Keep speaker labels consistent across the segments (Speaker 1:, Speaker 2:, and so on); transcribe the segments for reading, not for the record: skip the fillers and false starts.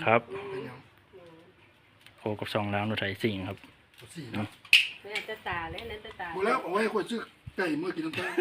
Speaker 1: ครับโคกับซองล้างรถไถสิ่งครับ
Speaker 2: สี่นะ
Speaker 3: แม่จะตาเลยนั่นจะตา
Speaker 2: หมดแล้วเอาไว้คนชื่อไก่เมื่อกี้น้ำตา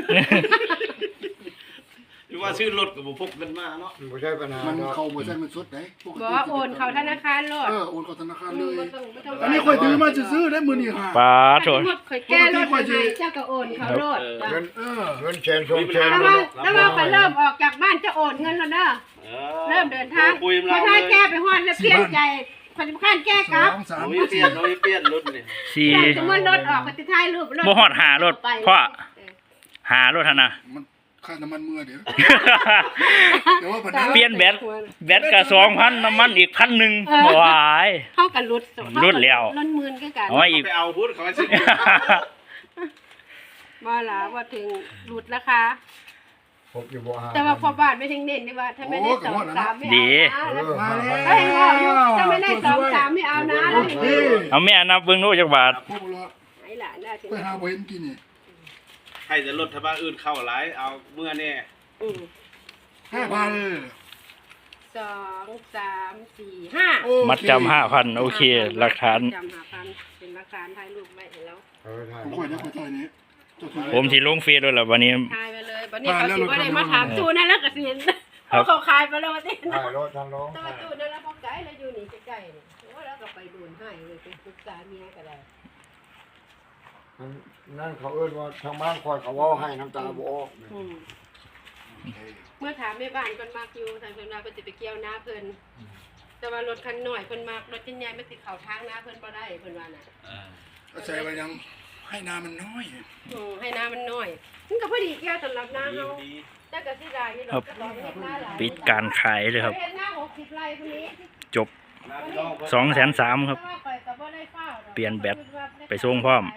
Speaker 4: หรือว่าชื่อรถกับบุพกกันมาเนาะ
Speaker 5: ไม่ใช่ปัญหา
Speaker 2: มัน
Speaker 5: เนาะ
Speaker 2: เขาบ่ใช่มันสดไหน
Speaker 3: บอกว่าโอนเขาธนาคารโลด
Speaker 2: โอนเข้าธนาคารเลย
Speaker 3: ไม่ต้อง
Speaker 2: อันนี้ค่อยถือมาซื้อได้มือนี่ค่ะ
Speaker 1: ปลาโถ
Speaker 3: คอยแก้รถให้เจ้าก็โอนเขาโลด
Speaker 5: เงินเงินแชนชงแชน
Speaker 3: แล้วว่าเขาเริ่มออกจากบ้านจะโอนเงินแล้วเด้อเริ่มเดินทางพอถ้าแก้ไปฮอดแล้วเปลี่ยนใจคนสำคัญแก้ครับ
Speaker 2: สาม
Speaker 4: โอ้ยเปลี่ยนรถนี่
Speaker 1: สี่
Speaker 3: จะมันรถออกก็จะถ่ายรูปรถ
Speaker 1: บ่ฮอดหารถพ่อหารถหั่นน่ะ
Speaker 2: มันค่าน้ำมันเมื่อเดี๋ยวเดี๋ยวว่าปัญหา
Speaker 1: เปลี่ยนแบตก็2,000น้ำมันอีก1,000บ่หวาย
Speaker 3: เท่ากับรถ
Speaker 1: รถแล้ว
Speaker 3: รถหมื่นก็กัน
Speaker 1: เอาไว้อีก
Speaker 4: ไปเอาพุทธเขาซื้อ
Speaker 3: บ่ล่ะว่าถึงหลุดราคา
Speaker 5: ผมอยู่บ่หา
Speaker 3: แต่ว่าพอบ้านไม่ถึงเน้นได้ว่าถ้าไม่ได้2-3ไม่เอานะ
Speaker 2: มาแล้ว
Speaker 3: ถ้าเห็นว่าถ้าไม่ได้2-3ไม่เอานะแล้ว
Speaker 1: เอาแม่นับเบิ่งดูจักบาท
Speaker 2: พวกเรา
Speaker 3: ไอ้หล่ะน่าจะ
Speaker 2: ไปหาบ่เห็นกินนี่
Speaker 4: ให้แต่รถทบ้านอื่นเข้าหลายเอาเมื่อนี่
Speaker 2: 5,000
Speaker 3: 2 3 4 5
Speaker 1: มัดจำ5,000โอเคหลักฐาน
Speaker 3: จำ5,000เป็นหลักฐานถ่ายรูปไว้ให้แล้ว
Speaker 2: ผมค่อยได้ค่อยใจนี้
Speaker 1: ผมสิลงเฟซด้วยล่ะวันนี้
Speaker 3: ถ่ายไปเลยบัดนี้เขาสิบ่ได้มาถามตู้นั่นแล้วก็สิเห็นเขาขายไปแล้วว่าติ
Speaker 5: ถ่ายรถทางน้อง
Speaker 3: แต่ว่าตู้นั่นแล้วพอไกลแล้วอยู่นี่ใกล้ๆนี่โอ้แล้วก็ไปดูนให้เลยไปปรึกษาเมียก็ได้
Speaker 5: นั่นเขาเอิ้นว่าทางบ้านคอยเขาว่าให้น้ำตาบ่ออก
Speaker 3: เมื่อถามแม่บ้านเพิ่นมักอยู่ทางเพิ่นว่าเพิ่นสิไปเกี่ยวนาเพิ่นแต่ว่ารถคันน้อยเพิ่นมักรถชิ้นใหญ่มันสิเข้าทางนาเพิ่นบ่ได้เพิ่นว่าน่ะ
Speaker 2: ใส่ไปยังให้น้ำมันน้อย
Speaker 3: ให้นามันน้อยมันก็พอดีเกี่ยวสำหรับนาเฮาแต่ก็สิได้อยู่ดอกก็เฮ็ดนาหลาย
Speaker 1: ปิดการขายเลยครับ
Speaker 3: เฮ็ดนา60ไร่พุ่นนี้
Speaker 1: จบ 230,000ครับ เปลี่ยนแบตไปส่งพร้อม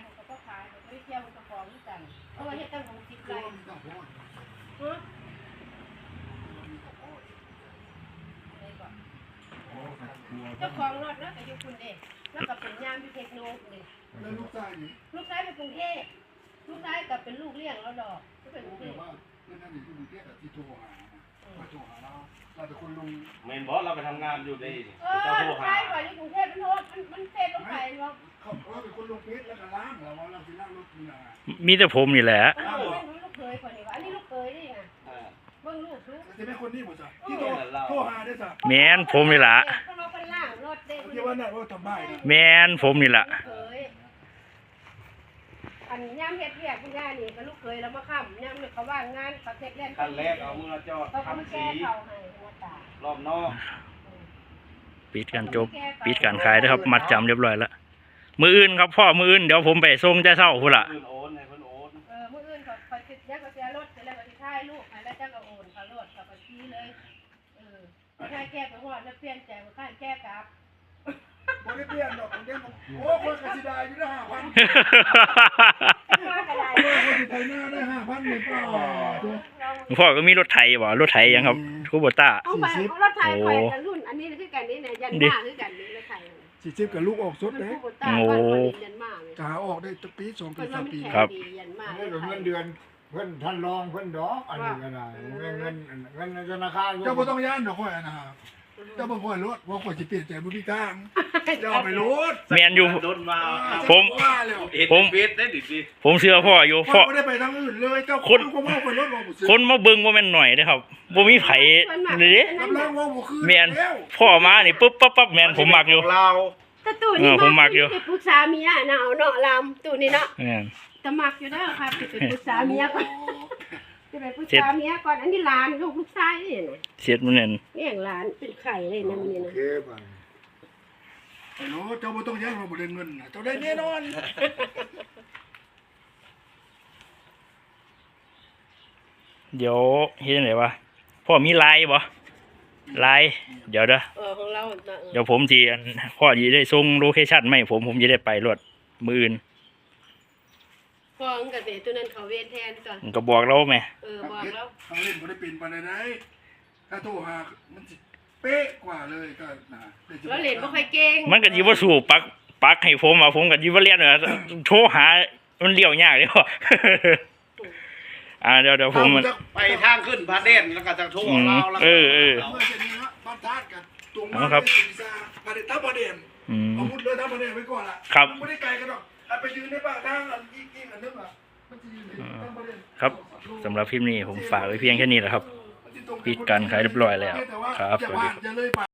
Speaker 3: เจ้าของรถแล้วก็อยู่คุณเด็กแล้วก็เป็นยามที่เทคโนโลยี
Speaker 2: แล้วลูกชายนี่
Speaker 3: ลูกชายเป็นกรุงเทพลูกชายกับเป็นลูกเลี้ยงแล้วดอกก็เป็นกรุงเท
Speaker 2: แต่
Speaker 3: พ
Speaker 2: ว่าเรื่องนั้นนี่คือเรียกที่โทรหามาโทรหาเราเป็นคนลง
Speaker 4: เมนบอสเราไปทำงานอยู่ได้
Speaker 3: เจ้า
Speaker 4: เจ้าโทร
Speaker 3: ลูก
Speaker 4: หา
Speaker 3: ชายก่อนอยู่กรุงเทพมันโทษมันเทพลงไปเนาะ
Speaker 2: เขาเป็นคนลงเพชรแล้วก็ล้างเราว่าเราจะล้างรถนี่นะ
Speaker 1: มีแต่ผมนี่แหละ
Speaker 3: ลูกเคยคนนี้วะอันนี้ลูกเคยนี่ไงเบิ่งลูกลูก
Speaker 2: จะเป็นคนนี้หมดจ้ะที่โทรหาได้จ้ะ
Speaker 1: แม่นผมนี่ล่ะ
Speaker 3: เขาเราเป็นล่างรถเด็ก
Speaker 2: ที่ว่านั่นว่าทำบ้านนะ
Speaker 1: แม่นผมนี่ล่ะ
Speaker 3: เคยอันย่ำเฮ็ดเรียกคุณย่านี่ก็ลูกเคยแล้วมาค้ำย่ำเนี่ยเขาว่างงานเขาเสร็จแล้ว
Speaker 4: ขั้นแรกเอามือจอด
Speaker 3: เขาก็มา
Speaker 4: ทำ
Speaker 3: แก้
Speaker 4: สี
Speaker 3: เขาให้หัวตาร
Speaker 4: อบนอก
Speaker 1: ปิดการจบปิดการขายนะครับ มัดจำเรียบร้อยแล้วมืออื่นครับพ่อมืออื่นเดี๋ยวผมไปส่งแต่เช้าพุ่นล่ะ
Speaker 4: เพิ่นโอนให้เพิ่นโอน
Speaker 3: มื้ออื่นเขาติดยักษ์ก็เสียรถเสร็จแล้วก็สิถ่ายลูกให้แล้วจังก็โอนเขารถเขาก็ชี้เลยถ่ายแก้ไปฮอดแล้วเปลี่ยนใจบ่คันแก้กลับ
Speaker 2: บ่ได้เปลี่ยนดอกเดี๋ยวโอ้คนกสิได้อยู่ได้5,000
Speaker 3: มาก็ได้
Speaker 2: คนสิไทยหน้าได้5,000เลยป่า
Speaker 1: พ่อก็มีรถไถบ่รถไถยังครับคูโบต้า
Speaker 3: เอาไปรถไถข่อยกับรุ่นอันนี้คือกันนี่เนี่ยยันมาคือกันนี่รถไถ
Speaker 2: 40กับลูกออกสดเด้
Speaker 3: ยันมาเลย
Speaker 2: กาออกได้ปี2ปี3ปี
Speaker 1: ครับ
Speaker 3: ยันมา
Speaker 5: นี่เงินเดือนเพิ่นท่านรองเพิ่นดอกอันนี้ก็ได้เงินธนาคาร
Speaker 2: เจ้าบ่ต้องย่านดอกข่อยนะครับเจ้าบ่ข่อยรถว่าข่อยสิเปลี่ยนใจบ่มีทางเจ้าไปรถ
Speaker 1: แม่นอยู่
Speaker 4: โดนมา
Speaker 1: ผม
Speaker 2: ว่าแล้ว
Speaker 4: เห็นเฟซได้ดิสิ
Speaker 1: ผมเชื่อพ่ออยู่
Speaker 2: พ่
Speaker 1: พ่
Speaker 2: อ
Speaker 1: อ
Speaker 2: บ่ได้ไปทางอื่นเลยเจ้าคนก็ว่าข่อยรถบ่ซื้อ
Speaker 1: คนมาเบิ่งบ่แม่นหน่อยเด้อครับบ่มีไผนี่เด้
Speaker 2: รับรองว่าบ่คือ
Speaker 1: แม่นพ่อมานี่ปุ๊บปั๊บแม่นผมมักอยู่
Speaker 4: เรา
Speaker 3: แต่ตู้นี่
Speaker 1: ผมมักอยู่
Speaker 3: ปรึกษาเมียนะเอาเนาะลำตู้นี่เนาะ
Speaker 1: แม่น
Speaker 3: จะมักอยู่ได้ค่ะไปปรึกษาเมียก่อนจะไปปรึกษาเมียก่อนอันนี้หลานลูกชายนี่นะ
Speaker 1: เสียดมันนั่น
Speaker 3: เลี้ยงหลานเป็นไข่เลยนะมันนี่
Speaker 5: โอ
Speaker 3: นะ
Speaker 5: เคไป
Speaker 2: ฮัลโหลเจ้าบ่ต้องย่านว่าบ่ได้เงินเจ้าได้แน่นอน
Speaker 1: เดี๋ยวเฮ็ดจังไดวะพ่อมีไลน์บ่ไลน์เดี๋ยวเด้อ
Speaker 3: ของเรา
Speaker 1: เดี๋ยวผมสิพ่อสิได้ส่งโลเคชั่นมาให้ผมสิได้ไปรถมื้ออื่น
Speaker 3: ฟ้องกับเด็กตัวนั้นเขาเวียนแทนก่อน
Speaker 1: มันก็บอกเราแม่
Speaker 3: บอกแล้ว
Speaker 2: ทางเล่นบ่ได้เป็นปานใดถ้าโทรหามันสิเป๊ะกว่าเลยก็นะ
Speaker 3: เราเล่นบ่ค่อยเก่ง
Speaker 1: มันก็สิบ่สู้ปักให้ผมว่าผมก็สิบ่เรียนว่าโทรหามันเลี้ยวยากเด้อ เดี๋ยวผมมัน
Speaker 4: ไปทางขึ้นพระเดชแล้วก็จะโทรเราแล้ว
Speaker 2: เมื่อจะนี้ฮะบ้านทาดกันตรง
Speaker 1: เอา
Speaker 2: มา
Speaker 1: ครับ
Speaker 2: เลยซ่าประเด็นทับประเด็น
Speaker 1: อืม
Speaker 2: เอามุดเลยทับประเด็นไว้ก่อนล่ะ
Speaker 1: ครับ
Speaker 2: มันไม่ได้ไกลกันหรอกไปยืนในป่าทางอันอีกอันนึงอ่ะมันจะยืนในทับประเด็น
Speaker 1: ครับสำหรับคลิปนี้ผมฝากไว้เพียงแค่นี้แหละครับ ปิดการขายเรียบร้อยแล้ว
Speaker 2: แต่ว่า
Speaker 1: ครับ
Speaker 2: อย่า
Speaker 1: สวัสดี
Speaker 2: ผ่านอย่าเลยไป